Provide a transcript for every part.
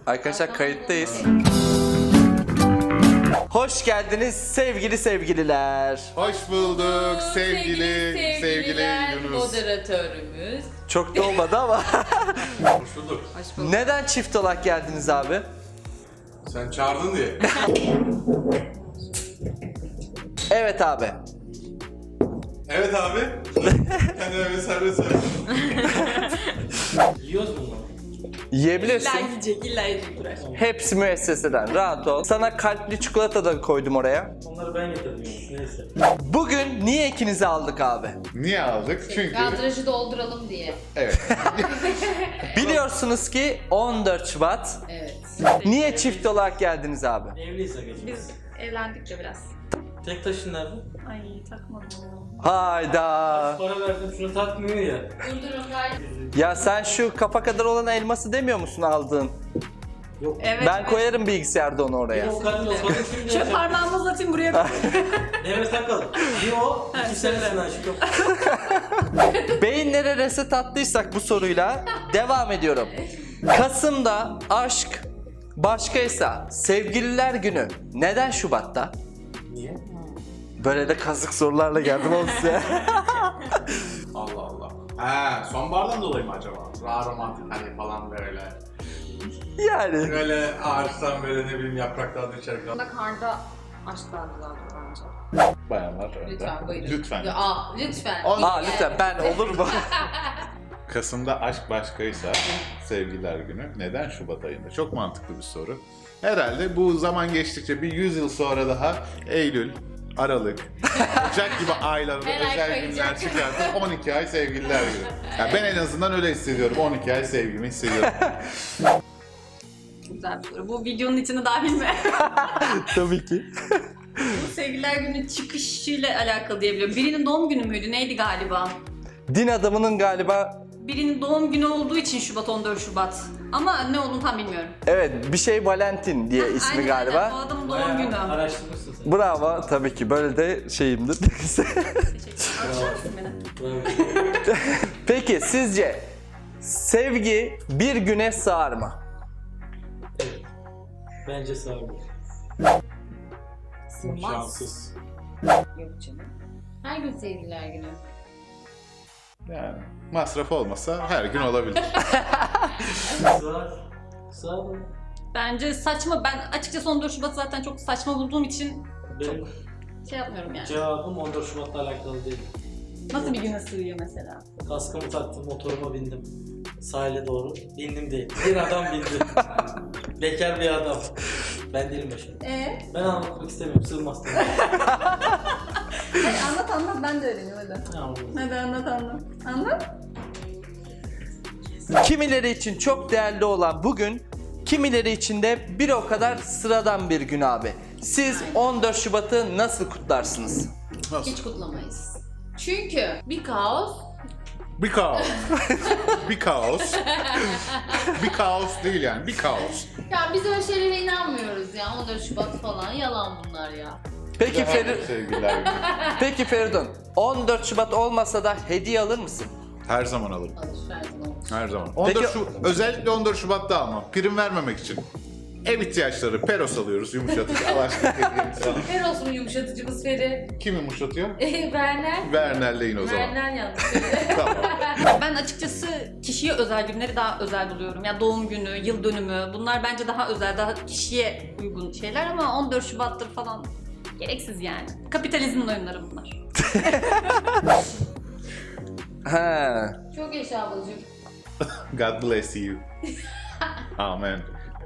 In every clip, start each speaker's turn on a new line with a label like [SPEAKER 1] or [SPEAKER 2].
[SPEAKER 1] Arkadaşlar kayıttayız. Hoş geldiniz sevgili sevgililer.
[SPEAKER 2] Hoş bulduk sevgili Yunus.
[SPEAKER 3] Moderatörümüz.
[SPEAKER 1] Çok da olmadı ama.
[SPEAKER 4] Hoş bulduk.
[SPEAKER 3] Hoş bulduk.
[SPEAKER 1] Neden çift olarak geldiniz abi?
[SPEAKER 4] Sen çağırdın diye.
[SPEAKER 1] Evet abi.
[SPEAKER 4] Evet abi. Kendine bir serbest ver.
[SPEAKER 5] Yiyoruz mu bunu?
[SPEAKER 1] Yiyebilirsin.
[SPEAKER 3] İlla yiyecek Burak.
[SPEAKER 1] Hepsi müesseseden. Rahat ol. Sana kalpli çikolata da koydum oraya.
[SPEAKER 5] Onları ben getirdim yani. Neyse.
[SPEAKER 1] Bugün niye ikinizi aldık abi?
[SPEAKER 2] Niye aldık? Çünkü
[SPEAKER 3] Kadrajı dolduralım diye.
[SPEAKER 2] evet.
[SPEAKER 1] Biliyorsunuz ki 14 Şubat.
[SPEAKER 3] Evet.
[SPEAKER 1] Niye çift olarak geldiniz abi?
[SPEAKER 5] Evliyiz agacığım.
[SPEAKER 6] Biz evlendik de biraz.
[SPEAKER 5] Tek taşın nerede?
[SPEAKER 6] Ay takmadım.
[SPEAKER 1] Hayda.
[SPEAKER 5] Para verdim şunu takmıyor ya.
[SPEAKER 3] Durdurun gayet.
[SPEAKER 1] Ya sen şu kafa kadar olan elması demiyor musun aldığın?
[SPEAKER 5] Yok.
[SPEAKER 6] Evet.
[SPEAKER 1] Ben koyarım bilgisayarda onu oraya.
[SPEAKER 5] Bir o kadın o kadın kim
[SPEAKER 6] Şöyle
[SPEAKER 5] diyecek?
[SPEAKER 6] parmağımı uzatayım buraya.
[SPEAKER 5] Devre takalım. Bir o, iki senesinden aşık yok.
[SPEAKER 1] Beyinlere reset attıysak bu soruyla devam ediyorum. Kasım'da aşk başkaysa sevgililer günü neden Şubat'ta?
[SPEAKER 5] Niye?
[SPEAKER 1] Böyle de kazık sorularla geldim oğlum size.
[SPEAKER 4] Allah Allah. He, sonbahardan dolayı mı acaba? Daha romantik hani falan böyle.
[SPEAKER 1] Yani.
[SPEAKER 4] Böyle ağaçtan böyle ne bileyim yapraklar düşerken.
[SPEAKER 3] Bunda karda aşklar güzeldir bence.
[SPEAKER 2] Bayanlar önde.
[SPEAKER 3] Lütfen buyurun.
[SPEAKER 2] Lütfen.
[SPEAKER 3] Ya, lütfen.
[SPEAKER 1] Aa lütfen ben olur mu?
[SPEAKER 2] Kasım'da aşk başkaysa sevgililer günü neden Şubat ayında? Çok mantıklı bir soru. Herhalde bu zaman geçtikçe bir 100 yıl sonra daha Eylül, Aralık, Ocak gibi aylarda
[SPEAKER 3] Her ay
[SPEAKER 2] özel
[SPEAKER 3] kayacak.
[SPEAKER 2] günler çıkartıp 12 ay sevgililer günü. Yani ben en azından öyle hissediyorum. 12 ay sevgimi hissediyorum.
[SPEAKER 6] Güzel bir soru. Bu videonun içine dahil mi?
[SPEAKER 1] Tabii ki.
[SPEAKER 6] Bu sevgililer günü çıkışıyla alakalı diyebiliyorum. Birinin doğum günü müydü? Neydi galiba?
[SPEAKER 1] Din adamının galiba
[SPEAKER 6] Birinin doğum günü olduğu için Şubat 14 Şubat. Ama ne olduğunu tam bilmiyorum.
[SPEAKER 1] evet bir şey Valentin diye ismi
[SPEAKER 6] Aynen,
[SPEAKER 1] galiba.
[SPEAKER 6] aynen. O adamın doğum
[SPEAKER 5] Bayağı
[SPEAKER 6] günü.
[SPEAKER 5] araştırmışsın sen.
[SPEAKER 1] Bravo tabii ki böyle de şeyimdir.
[SPEAKER 6] Teşekkür ederim.
[SPEAKER 5] Bravo.
[SPEAKER 1] Peki sizce sevgi bir güne sığar mı?
[SPEAKER 5] Evet. Bence sağlık.
[SPEAKER 3] Sığmaz.
[SPEAKER 4] Şanssız.
[SPEAKER 3] Yok canım. Her gün sevgililer günü.
[SPEAKER 2] Yani masraf olmasa her gün olabilir.
[SPEAKER 5] Sağ. Sağ ol.
[SPEAKER 6] Bence saçma. Ben açıkçası 14 Şubat zaten çok saçma bulduğum için
[SPEAKER 5] Benim
[SPEAKER 6] şey yapmıyorum yani.
[SPEAKER 5] cevabım 14 Şubat'la alakalı değil.
[SPEAKER 6] Nasıl bir güne sığıyor mesela?
[SPEAKER 5] Kaskımı taktım, motoruma bindim. Sahile doğru. Bindim değil. Bir adam bindi. Bekar bir adam. Ben değilim başım. Ben anlatmak istemiyorum. Sığmaz.
[SPEAKER 6] Hayır, anlat ben de öğreneyim hadi. Hadi anlat. Anlat.
[SPEAKER 1] Kimileri için çok değerli olan bugün, kimileri için de bir o kadar sıradan bir gün abi. Siz 14 Şubat'ı nasıl kutlarsınız?
[SPEAKER 3] Hiç kutlamayız. Çünkü bir kaos.
[SPEAKER 2] Bir kaos. Bir kaos. Bir kaos değil yani. Bir kaos.
[SPEAKER 3] Ya biz öyle şeylere inanmıyoruz ya. 14 Şubat falan yalan bunlar ya.
[SPEAKER 1] Peki
[SPEAKER 2] Sevgililer günü.
[SPEAKER 1] Peki Feridun, 14 Şubat olmasa da hediye alır mısın?
[SPEAKER 2] Her zaman alırım.
[SPEAKER 3] Alış her zaman olur.
[SPEAKER 2] Her zaman. 14
[SPEAKER 1] Peki-
[SPEAKER 2] özellikle 14 Şubat'ta almam. Prim vermemek için. Ev ihtiyaçları, peros alıyoruz yumuşatıcı. Allah aşkına hediyemiz falan.
[SPEAKER 3] Fer olsun yumuşatıcımız Feri.
[SPEAKER 2] Kim yumuşatıyor?
[SPEAKER 3] Werner.
[SPEAKER 2] Werner'leyin o zaman.
[SPEAKER 3] Werner yanlış.
[SPEAKER 2] Tamam.
[SPEAKER 6] Ben açıkçası kişiye özel günleri daha özel buluyorum. Ya doğum günü, yıl dönümü bunlar bence daha özel, daha kişiye uygun şeyler ama 14 Şubat'tır falan gereksiz yani. Kapitalizmin oyunları bunlar.
[SPEAKER 1] He.
[SPEAKER 3] Çok yaşa ablacığım.
[SPEAKER 2] God bless you. Amen.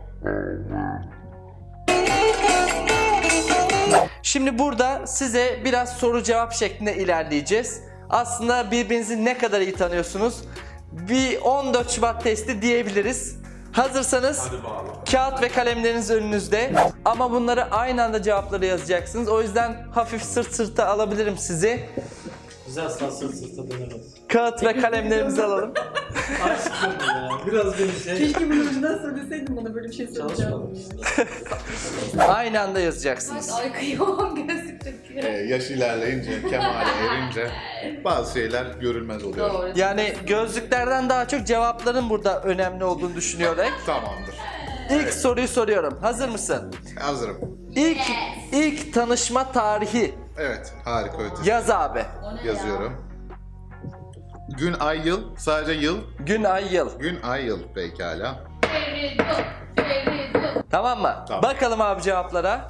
[SPEAKER 1] Şimdi burada size biraz soru cevap şeklinde ilerleyeceğiz. Aslında birbirinizi ne kadar iyi tanıyorsunuz? Bir 14 Şubat testi diyebiliriz. Hazırsanız
[SPEAKER 4] Hadi bağla.
[SPEAKER 1] kağıt ve kalemleriniz önünüzde. Ama bunları aynı anda cevapları yazacaksınız. O yüzden hafif sırt sırta alabilirim sizi.
[SPEAKER 5] Güzel asla sırt sırta dönemez.
[SPEAKER 1] Kağıt ve kalemlerimizi alalım.
[SPEAKER 5] Aşkım ya. Biraz beni şey...
[SPEAKER 6] bunu önceden söyleseydin bana böyle bir şey
[SPEAKER 5] Çalışmadım işte.
[SPEAKER 1] Aynı anda
[SPEAKER 3] Bak
[SPEAKER 1] yazacaksınız.
[SPEAKER 3] ay kıyamam gözlük çıkıyor.
[SPEAKER 2] Yaş ilerleyince, kemale erince bazı şeyler görülmez oluyor.
[SPEAKER 3] Doğru.
[SPEAKER 1] Yani gözlüklerden daha çok cevapların burada önemli olduğunu düşünüyorum.
[SPEAKER 2] Tamamdır.
[SPEAKER 1] İlk soruyu soruyorum. Hazır mısın?
[SPEAKER 2] Hazırım.
[SPEAKER 1] İlk tanışma tarihi.
[SPEAKER 2] Evet, harika ötesi.
[SPEAKER 1] Yaz abi.
[SPEAKER 3] O ne
[SPEAKER 2] Yazıyorum. Gün, ay, yıl. Sadece yıl.
[SPEAKER 1] Gün, ay, yıl.
[SPEAKER 2] Gün, ay, yıl. Pekala.
[SPEAKER 3] ya? Feridun.
[SPEAKER 1] Tamam mı?
[SPEAKER 2] Tamam.
[SPEAKER 1] Bakalım abi cevaplara.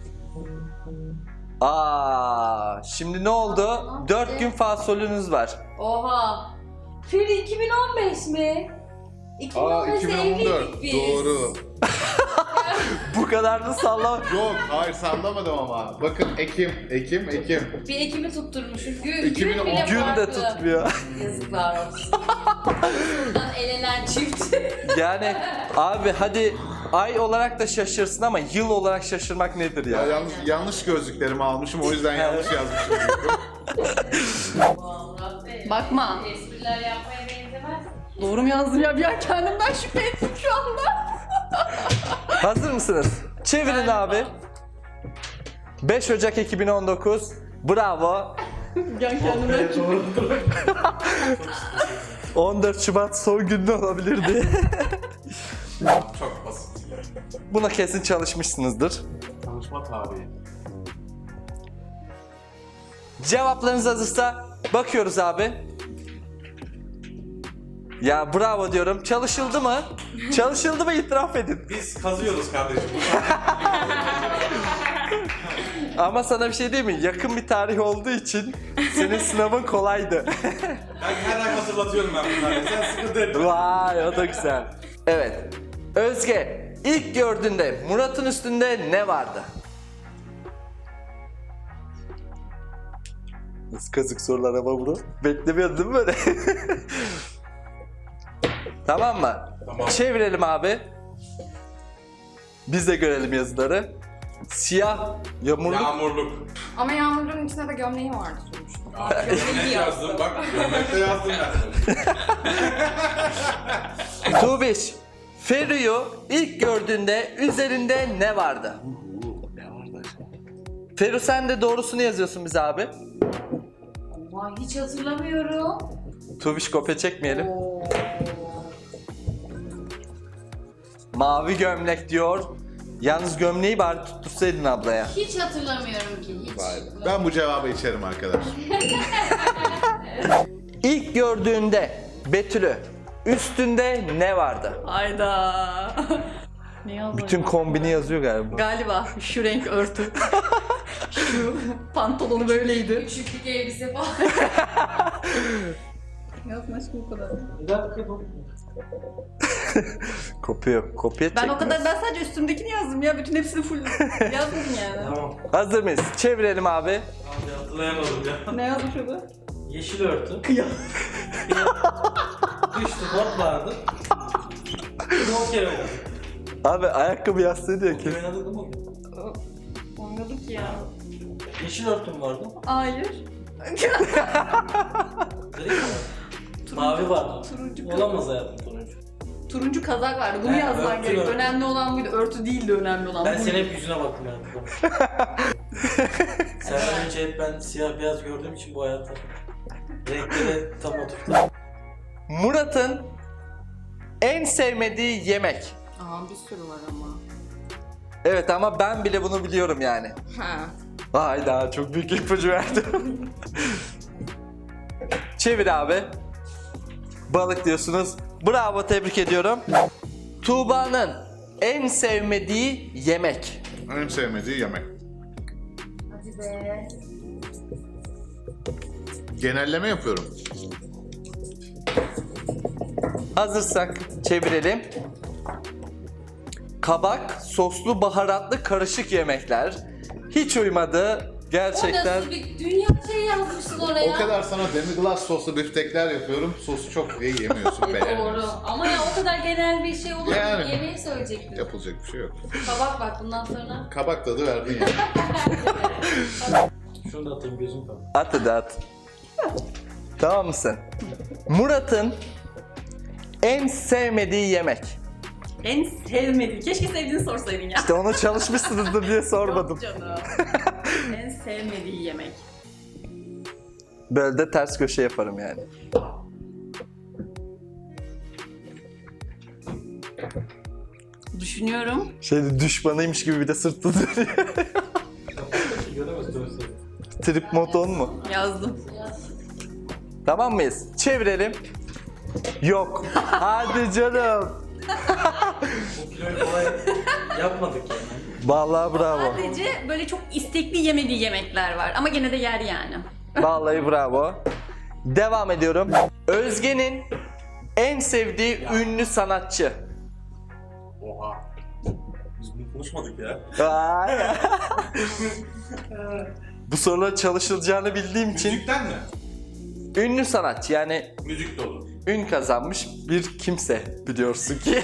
[SPEAKER 1] Şimdi ne oldu? 4 gün fasolünüz var.
[SPEAKER 3] Oha. Feri 2015 mi? 2015'te
[SPEAKER 2] 2014.
[SPEAKER 3] evliydik biz.
[SPEAKER 2] Doğru.
[SPEAKER 1] Bu kadar da sallama.
[SPEAKER 2] Yok, hayır sallamadım ama. Bakın Ekim.
[SPEAKER 3] Bir Ekim'i tutturmuşuz. Gün
[SPEAKER 2] 2010
[SPEAKER 3] bile
[SPEAKER 1] Gün de
[SPEAKER 3] farklı.
[SPEAKER 1] tutmuyor.
[SPEAKER 3] Yazıklar olsun. Buradan elenen çift.
[SPEAKER 1] Yani abi hadi ay olarak da şaşırsın ama yıl olarak şaşırmak nedir
[SPEAKER 2] Ya
[SPEAKER 1] ya?
[SPEAKER 2] yanlış gözlüklerimi almışım, o yüzden yanlış yazmışım.
[SPEAKER 3] Vallahi.
[SPEAKER 6] Bakma.
[SPEAKER 3] Espriler yapmaya benzemez.
[SPEAKER 6] Doğru mu yazdım ya? Bir an kendimden şüphe ettim şu anda.
[SPEAKER 1] Hazır mısınız? Çevirin abi. 5 Ocak 2019. Bravo.
[SPEAKER 6] Ben kendime
[SPEAKER 1] 14 Şubat son günde olabilirdi.
[SPEAKER 4] Çok basit.
[SPEAKER 1] Buna kesin çalışmışsınızdır.
[SPEAKER 4] Tanışma tarihi.
[SPEAKER 1] Cevaplarınız hazırsa bakıyoruz abi. Ya bravo diyorum. Çalışıldı mı? Çalışıldı mı itiraf edin.
[SPEAKER 4] Biz kazıyoruz kardeşim.
[SPEAKER 1] Ama sana bir şey diyeyim mi? Yakın bir tarih olduğu için senin sınavın kolaydı.
[SPEAKER 4] Ben her ay hatırlatıyorum ben bunları. Sen sıkıntı etme.
[SPEAKER 1] Vay o da güzel. Evet. Özge ilk gördüğünde Murat'ın üstünde ne vardı? Nasıl kazık sorular ama bunu? Beklemiyordun değil mi böyle? Tamam mı?
[SPEAKER 4] Tamam.
[SPEAKER 1] Çevirelim abi. Biz de görelim yazıları. Siyah yağmurluk.
[SPEAKER 4] Yağmurluk.
[SPEAKER 7] Ama Yağmur'un içinde de gömleği vardı sonuçta.
[SPEAKER 4] Gömlek yazdım bak. Gömlekte yazdım ben.
[SPEAKER 1] Tuğbiş, Feru'yu ilk gördüğünde üzerinde ne vardı? Feru sen de doğrusunu yazıyorsun bize abi.
[SPEAKER 3] Ama hiç hatırlamıyorum.
[SPEAKER 1] Tuğbiş kopya çekmeyelim. Mavi gömlek diyor. Yalnız gömleği bari tuttursaydın ablaya.
[SPEAKER 3] Hiç hatırlamıyorum ki. Hiç.
[SPEAKER 2] Vay be. Ben bu cevabı içerim arkadaş.
[SPEAKER 1] İlk gördüğünde Betül'ü üstünde ne vardı?
[SPEAKER 6] Hayda. Ne yazdım?
[SPEAKER 1] Bütün kombini yazıyor galiba.
[SPEAKER 6] Galiba şu renk örtü. Şu pantolonu böyleydi.
[SPEAKER 3] Küçüklük elbise falan.
[SPEAKER 6] Yazma aşkım bu kadar.
[SPEAKER 5] Bir dakika dur.
[SPEAKER 1] Kopya yok. Kopya
[SPEAKER 6] Ben o
[SPEAKER 1] çekmez.
[SPEAKER 6] kadar, ben sadece üstümdekini yazdım ya. Bütün hepsini full yazmadım yani.
[SPEAKER 5] Tamam.
[SPEAKER 1] Hazır mıyız? Çevirelim abi.
[SPEAKER 5] Abi hatırlayamadım ya.
[SPEAKER 6] Ne yazmış orada?
[SPEAKER 5] Yeşil örtü.
[SPEAKER 6] Kıyam.
[SPEAKER 5] Düştü bot vardı. Bir o kere oynadık.
[SPEAKER 1] Abi ayakkabı yastığı diyor ki.
[SPEAKER 5] Oynadık mı?
[SPEAKER 6] Oynadık ya.
[SPEAKER 5] Yeşil örtüm vardı.
[SPEAKER 6] Hayır.
[SPEAKER 5] Gri mi? Mavi vardı.
[SPEAKER 6] Turuncu.
[SPEAKER 5] Olamaz hayatım turuncu.
[SPEAKER 6] Turuncu kazak vardı. Bunu
[SPEAKER 5] He,
[SPEAKER 6] yazman
[SPEAKER 5] örtü,
[SPEAKER 6] gerek.
[SPEAKER 5] örtü.
[SPEAKER 6] Önemli olan buydu. Örtü değildi önemli olan.
[SPEAKER 5] Ben
[SPEAKER 6] buydu.
[SPEAKER 5] senin hep yüzüne baktım hayatım. Senden önce hep ben siyah beyaz gördüğüm için bu hayata. Renkleri tam oturttu.
[SPEAKER 1] Murat'ın en sevmediği yemek.
[SPEAKER 7] Aa bir sürü var ama.
[SPEAKER 1] Evet ama ben bile bunu biliyorum yani.
[SPEAKER 7] Ha.
[SPEAKER 1] Hayda çok büyük ipucu verdim. Çevir abi. Balık diyorsunuz. Bravo tebrik ediyorum. Tuğba'nın en sevmediği yemek.
[SPEAKER 2] En sevmediği yemek.
[SPEAKER 3] Hadi be.
[SPEAKER 2] Genelleme yapıyorum.
[SPEAKER 1] Hazırsak çevirelim. Kabak, soslu, baharatlı karışık yemekler. Hiç uymadı.
[SPEAKER 3] O
[SPEAKER 1] Gerçekten.
[SPEAKER 3] nasıl bir dünya şey yazmışsın oraya.
[SPEAKER 2] O kadar sana demi-glace soslu biftekler yapıyorum. Sosu çok iyi yemiyorsun,
[SPEAKER 3] Doğru.
[SPEAKER 2] beğenmiyorsun.
[SPEAKER 3] Ama ya o kadar genel bir şey olur mu?
[SPEAKER 2] Yani.
[SPEAKER 3] Yemeği söyleyecektim.
[SPEAKER 2] Yapılacak bir şey yok.
[SPEAKER 3] Kabak bak bundan sonra.
[SPEAKER 2] Kabak tadı verdin ya.
[SPEAKER 5] Şunu da atayım gözüm kapalı.
[SPEAKER 1] At hadi at. Tamam mısın? Murat'ın en sevmediği yemek.
[SPEAKER 6] En sevmediğin. Keşke sevdiğini sorsaydın ya.
[SPEAKER 1] İşte onu çalışmışsınızdır diye sormadım.
[SPEAKER 6] Yok canım. En sevmediği yemek.
[SPEAKER 1] Böyle de ters köşe yaparım yani.
[SPEAKER 6] Düşünüyorum.
[SPEAKER 1] Düşmanıymış gibi bir de sırtlı dönüyor.
[SPEAKER 5] Göremez dönse.
[SPEAKER 1] Trip mod on mu?
[SPEAKER 6] Yazdım.
[SPEAKER 1] Tamam mıyız? Çevirelim. Yok. Hadi canım.
[SPEAKER 5] Bu kiloyu kolay yapmadık yani.
[SPEAKER 1] Vallahi bravo.
[SPEAKER 6] Sadece böyle çok istekli yemediği yemekler var ama gene de yer yani.
[SPEAKER 1] Vallahi bravo. Devam ediyorum. Özge'nin en sevdiği ünlü sanatçı.
[SPEAKER 4] Oha. Biz bunu konuşmadık ya.
[SPEAKER 1] Ay. Bu sorular çalışılacağını bildiğim için
[SPEAKER 4] Müzikten mi?
[SPEAKER 1] ünlü sanatçı yani
[SPEAKER 4] Müzik de olur.
[SPEAKER 1] ün kazanmış bir kimse biliyorsun ki.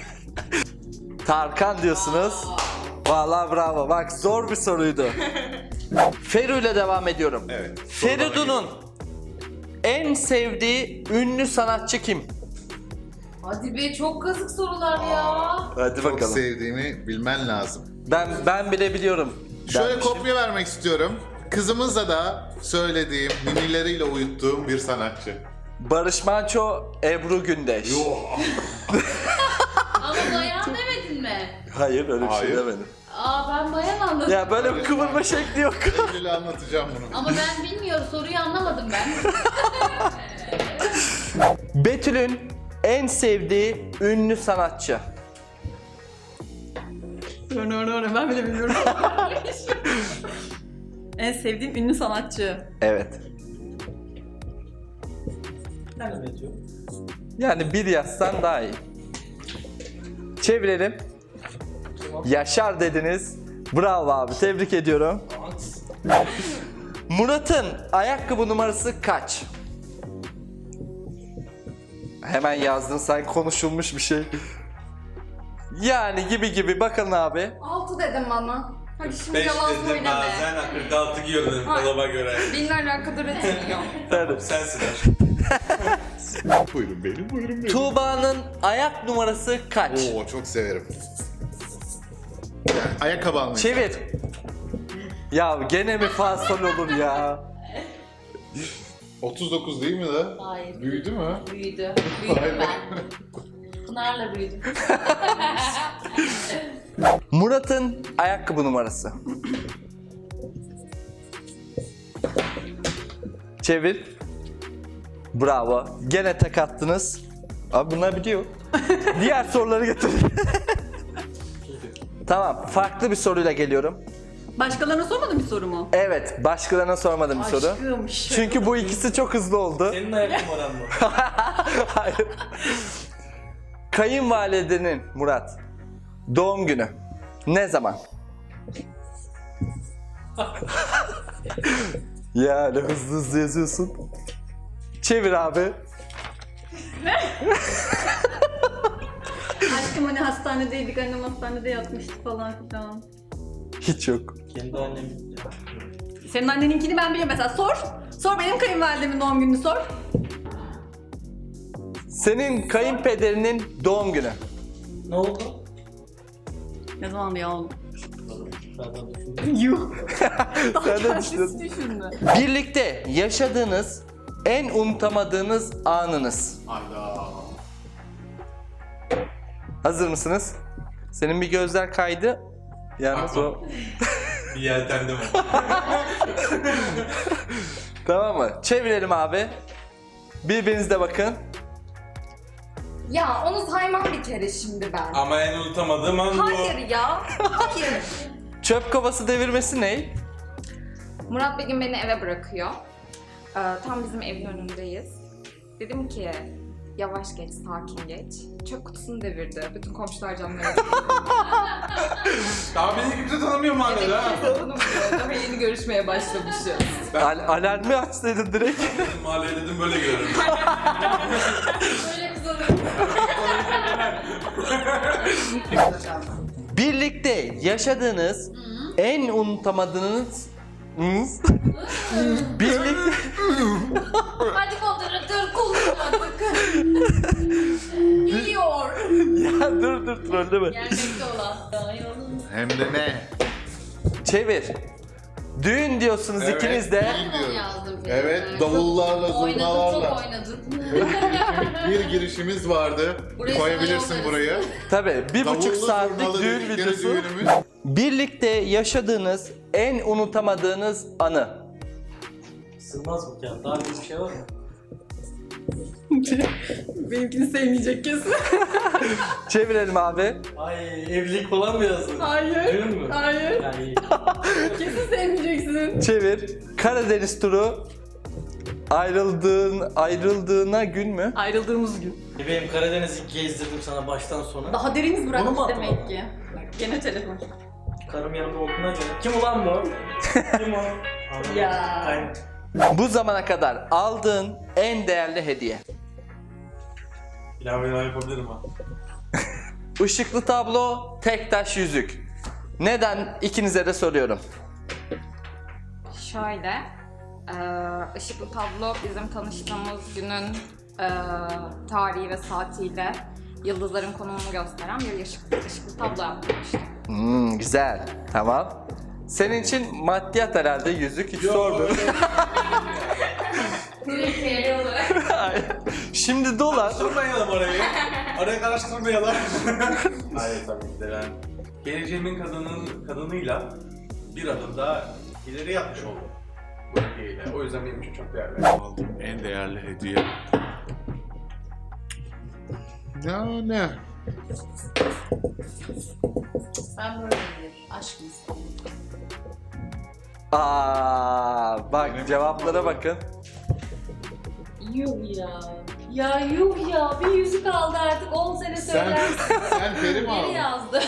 [SPEAKER 1] Tarkan diyorsunuz. Vallahi bravo. Bak zor bir soruydu. Feru ile devam ediyorum.
[SPEAKER 2] Evet.
[SPEAKER 1] Feridun'un en sevdiği ünlü sanatçı kim?
[SPEAKER 3] Hadi be çok kazık sorular ya.
[SPEAKER 1] Hadi
[SPEAKER 2] Çok
[SPEAKER 1] bakalım.
[SPEAKER 2] sevdiğimi bilmen lazım.
[SPEAKER 1] Ben bile biliyorum.
[SPEAKER 2] Şöyle
[SPEAKER 1] dermişim.
[SPEAKER 2] kopya vermek istiyorum. Kızımızla da söylediğim, ninileriyle uyuttuğum bir sanatçı.
[SPEAKER 1] Barış Manço, Ebru Gündeş.
[SPEAKER 3] Ama bayan demedin mi?
[SPEAKER 1] Hayır öyle bir şey
[SPEAKER 2] Hayır.
[SPEAKER 1] demedim.
[SPEAKER 3] Aa ben bayan anladım.
[SPEAKER 1] Ya böyle bir kıvırma şekli yok.
[SPEAKER 2] Eylül'e anlatacağım bunu.
[SPEAKER 3] Ama ben bilmiyorum soruyu anlamadım ben.
[SPEAKER 1] Betül'ün en sevdiği ünlü sanatçı.
[SPEAKER 6] Ben bile bilmiyorum. En sevdiğim ünlü sanatçı.
[SPEAKER 1] Evet.
[SPEAKER 5] Nerede metiyor?
[SPEAKER 1] Yani bir yazsan daha iyi. Çevirelim. Yaşar dediniz. Bravo abi, tebrik ediyorum. Murat'ın ayakkabı numarası kaç? Hemen yazdın sen, konuşulmuş bir şey. Yani gibi bakın abi.
[SPEAKER 7] 6 dedim bana. Hadi şimdi
[SPEAKER 4] 5
[SPEAKER 7] yalan
[SPEAKER 4] dedim
[SPEAKER 7] söyleme.
[SPEAKER 4] bazen 46 giyiyorum dedim
[SPEAKER 7] Hayır.
[SPEAKER 4] dolaba göre.
[SPEAKER 7] Benimle alakadar etmiyor.
[SPEAKER 1] Evet.
[SPEAKER 4] Sensin aşkım.
[SPEAKER 2] Buyurun benim, buyurun benim.
[SPEAKER 1] Tuğba'nın ayak numarası kaç?
[SPEAKER 2] Oo çok severim. Yani ayakkabı almayı.
[SPEAKER 1] Çevir. Ya gene mi fasol olur ya?
[SPEAKER 2] 39 değil mi de?
[SPEAKER 3] Hayır.
[SPEAKER 2] Büyüdü mü?
[SPEAKER 3] Büyüdü. Büyüdüm ben. Pınar'la büyüdüm.
[SPEAKER 1] Murat'ın ayakkabı numarası. Çevir. Bravo. Gene tek attınız. Abi bunlar biliyor. Diğer soruları getirin. Tamam, farklı bir soruyla geliyorum.
[SPEAKER 6] Başkalarına sormadın bir soru mu?
[SPEAKER 1] Evet, başkalarına sormadım bir soru.
[SPEAKER 6] Aşkım.
[SPEAKER 1] Çünkü bu ikisi çok hızlı oldu.
[SPEAKER 5] Senin ayak numaran mı?
[SPEAKER 1] Hayır. Kayınvalidenin Murat doğum günü ne zaman? Ya ne hızlı yazıyorsun. Çevir abi.
[SPEAKER 6] Aşkım hani hastanedeydik, annem hastanede yatmıştı falan filan.
[SPEAKER 1] Hiç yok.
[SPEAKER 5] Kendi annem.
[SPEAKER 6] Senin anneninkini ben biliyorum mesela, sor. Sor benim kayınvalidemin doğum gününü sor.
[SPEAKER 1] Senin kayınpederinin doğum günü.
[SPEAKER 5] Ne oldu?
[SPEAKER 6] Ne zaman ya oğlum?
[SPEAKER 5] Zaten düşündüm.
[SPEAKER 6] Yuh.
[SPEAKER 1] Sen de
[SPEAKER 6] Kendisi
[SPEAKER 1] düşünüyorsun.
[SPEAKER 6] düşündü.
[SPEAKER 1] Birlikte yaşadığınız en unutamadığınız anınız.
[SPEAKER 4] Hayda.
[SPEAKER 1] Hazır mısınız? Senin bir gözler kaydı. Yalnız o...
[SPEAKER 4] Bir yeltendi mi?
[SPEAKER 1] Tamam mı? Çevirelim abi. Birbirinize bakın.
[SPEAKER 7] Ya onu saymam bir kere şimdi ben.
[SPEAKER 4] Ama en unutamadığım an bu.
[SPEAKER 7] Hayır ya. Hayır.
[SPEAKER 1] Çöp kovası devirmesi ne?
[SPEAKER 7] Murat bir gün beni eve bırakıyor. Tam bizim evin önündeyiz. Dedim ki yavaş geç, sakin geç. Çöp kutusunu devirdi. Bütün komşular camları.
[SPEAKER 4] Daha beni kimse tanımıyor mahallede ha.
[SPEAKER 7] Daha yeni görüşmeye başlamışız.
[SPEAKER 1] Alarmı açsaydın direkt.
[SPEAKER 4] Mahalleye dedim böyle görürüm.
[SPEAKER 3] Böyle kızarım.
[SPEAKER 1] Birlikte yaşadığınız en unutamadığınız birlikte
[SPEAKER 3] Hadi moderatör kullan bakın. Biliyor.
[SPEAKER 1] ya dur trolleme.
[SPEAKER 3] Gelmekte olan.
[SPEAKER 2] Hem de ne?
[SPEAKER 1] Çevir. Düğün diyorsunuz
[SPEAKER 2] Evet,
[SPEAKER 1] ikiniz de.
[SPEAKER 2] düğün diyorum.
[SPEAKER 3] yazdım.
[SPEAKER 2] Evet,
[SPEAKER 3] filmde.
[SPEAKER 2] davullarla,
[SPEAKER 3] Oynadın,
[SPEAKER 2] zurnalarla.
[SPEAKER 3] çok oynadın.
[SPEAKER 2] Bir girişimiz vardı.
[SPEAKER 3] Burayı
[SPEAKER 2] Koyabilirsin
[SPEAKER 3] sana
[SPEAKER 2] burayı.
[SPEAKER 1] Tabii 1,5
[SPEAKER 2] Davullu,
[SPEAKER 1] saatlik
[SPEAKER 2] zurnalı
[SPEAKER 1] düğün
[SPEAKER 2] dedikleri
[SPEAKER 1] videosu.
[SPEAKER 2] düğünümüz.
[SPEAKER 1] Birlikte yaşadığınız en unutamadığınız anı.
[SPEAKER 5] Sığmaz mı ya? Daha büyük bir şey var mı?
[SPEAKER 6] Benimkini sevmeyecek kesin.
[SPEAKER 1] Çevirelim abi.
[SPEAKER 5] Ay evlilik falan mı yazdın?
[SPEAKER 6] Hayır.
[SPEAKER 5] Düğün mü?
[SPEAKER 6] Hayır.
[SPEAKER 5] Yani
[SPEAKER 6] Kesin sevmeyeceksin.
[SPEAKER 1] Çevir. Karadeniz turu ayrıldığına gün mü?
[SPEAKER 6] Ayrıldığımız gün.
[SPEAKER 5] bebeğim Karadeniz'i gezdirdim sana baştan sona.
[SPEAKER 6] Daha deriniz
[SPEAKER 5] Onu mu
[SPEAKER 6] bırakmış
[SPEAKER 5] attın?
[SPEAKER 6] demek ki. Gene telefon.
[SPEAKER 5] Karım yanımda olduğuna göre. Kim ulan bu? Kim o? Anladım.
[SPEAKER 6] Ya.
[SPEAKER 5] Aynen.
[SPEAKER 1] Bu zamana kadar aldığın en değerli hediye.
[SPEAKER 4] İlave yapabilirim ha.
[SPEAKER 1] Işıklı tablo, tek taş yüzük. Neden? İkinize de soruyorum.
[SPEAKER 7] Şöyle, ışıklı tablo bizim tanıştığımız günün tarihi ve saatiyle yıldızların konumunu gösteren bir ışıklı tablo yapmıştım.
[SPEAKER 1] Güzel. Tamam. Senin için maddiyat herhalde yüzük hiç sordum.
[SPEAKER 3] Direkt veriyorlar.
[SPEAKER 1] Şimdi dolar.
[SPEAKER 4] Karıştırmayalım orayı. Orayı karıştırmayalım. Hayır tabii ki de ben geleceğimin kadınıyla bir adım daha ileri yapmış oldum. Bu hediyeyle. O yüzden benim için çok değerli.
[SPEAKER 2] Aldığım en değerli hediye. Ya ne?
[SPEAKER 3] Ben böyle bir aşk insanım.
[SPEAKER 1] Bak cevaplara bakın.
[SPEAKER 3] Yuh ya. Ya yuh ya. Bir yüzük aldı artık 10 sene
[SPEAKER 2] Sen,
[SPEAKER 3] söylersin.
[SPEAKER 2] sen peri mi
[SPEAKER 3] Biri
[SPEAKER 2] aldın?
[SPEAKER 3] yazdı.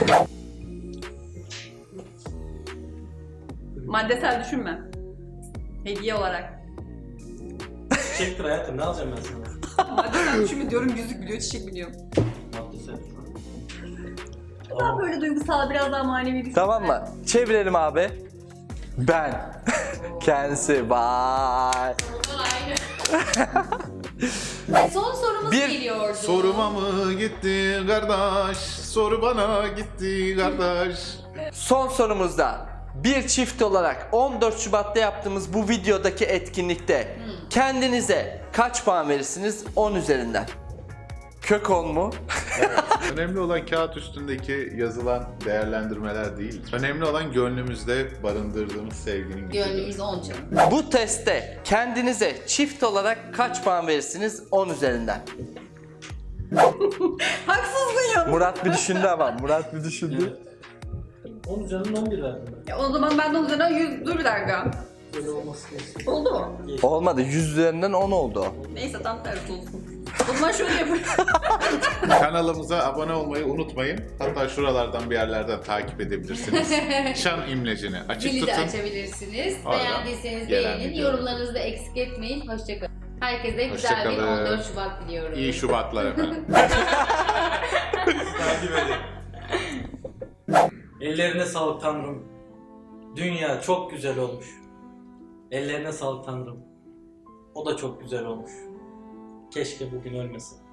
[SPEAKER 6] Maddesel düşünme. Hediye olarak.
[SPEAKER 5] Çiçektir hayatım, ne alacağım ben sana?
[SPEAKER 6] Maddesel düşünme diyorum, yüzük biliyor, çiçek biliyor.
[SPEAKER 5] Maddesel.
[SPEAKER 6] Daha böyle duygusal, biraz daha manevi düşünme.
[SPEAKER 1] Tamam mı? Çevirelim abi. Ben. Kendisi. Vay.
[SPEAKER 3] Aynı. Son sorumuz
[SPEAKER 1] Bir
[SPEAKER 3] geliyordu.
[SPEAKER 2] Soruma mı gitti kardeş? Soru bana gitti kardeş.
[SPEAKER 1] Son sorumuzda bir çift olarak 14 Şubat'ta yaptığımız bu videodaki etkinlikte kendinize kaç puan verirsiniz 10 üzerinden? Kök 10 mu?
[SPEAKER 2] Önemli olan kağıt üstündeki yazılan değerlendirmeler değil. Önemli olan gönlümüzde barındırdığımız sevginin gücüdür.
[SPEAKER 3] Gönlümüz 10 canım.
[SPEAKER 1] Bu testte kendinize çift olarak kaç puan verirsiniz 10 üzerinden?
[SPEAKER 6] Haksızsın ya.
[SPEAKER 1] Murat bir düşündü ama. Murat bir düşündü.
[SPEAKER 5] 10 üzerinden 11 verdim ben.
[SPEAKER 6] Ya o zaman ben de onun üzerinden 100... Dur bir dakika.
[SPEAKER 5] Böyle olması gerekiyor.
[SPEAKER 6] Oldu mu?
[SPEAKER 1] Olmadı. 100 üzerinden 10 oldu.
[SPEAKER 6] Neyse tam tersi olsun. O zaman şöyle yapayım.
[SPEAKER 2] Kanalımıza abone olmayı unutmayın. Hatta şuralardan bir yerlerden takip edebilirsiniz. Şan imlecini açık
[SPEAKER 3] Zili de
[SPEAKER 2] tutun.
[SPEAKER 3] açabilirsiniz.
[SPEAKER 2] Oradan
[SPEAKER 3] Beğendiyseniz
[SPEAKER 2] gelen
[SPEAKER 3] beğenin.
[SPEAKER 2] video.
[SPEAKER 3] Yorumlarınızı da eksik etmeyin. Hoşçakalın. Herkese güzel bir
[SPEAKER 2] Hoşçakalın.
[SPEAKER 3] 14 Şubat diliyorum.
[SPEAKER 2] İyi Şubatlar efendim.
[SPEAKER 4] Takip edin.
[SPEAKER 5] Ellerine sağlık Tanrım. Dünya çok güzel olmuş. Ellerine sağlık Tanrım. O da çok güzel olmuş. Keşke bugün ölmesin.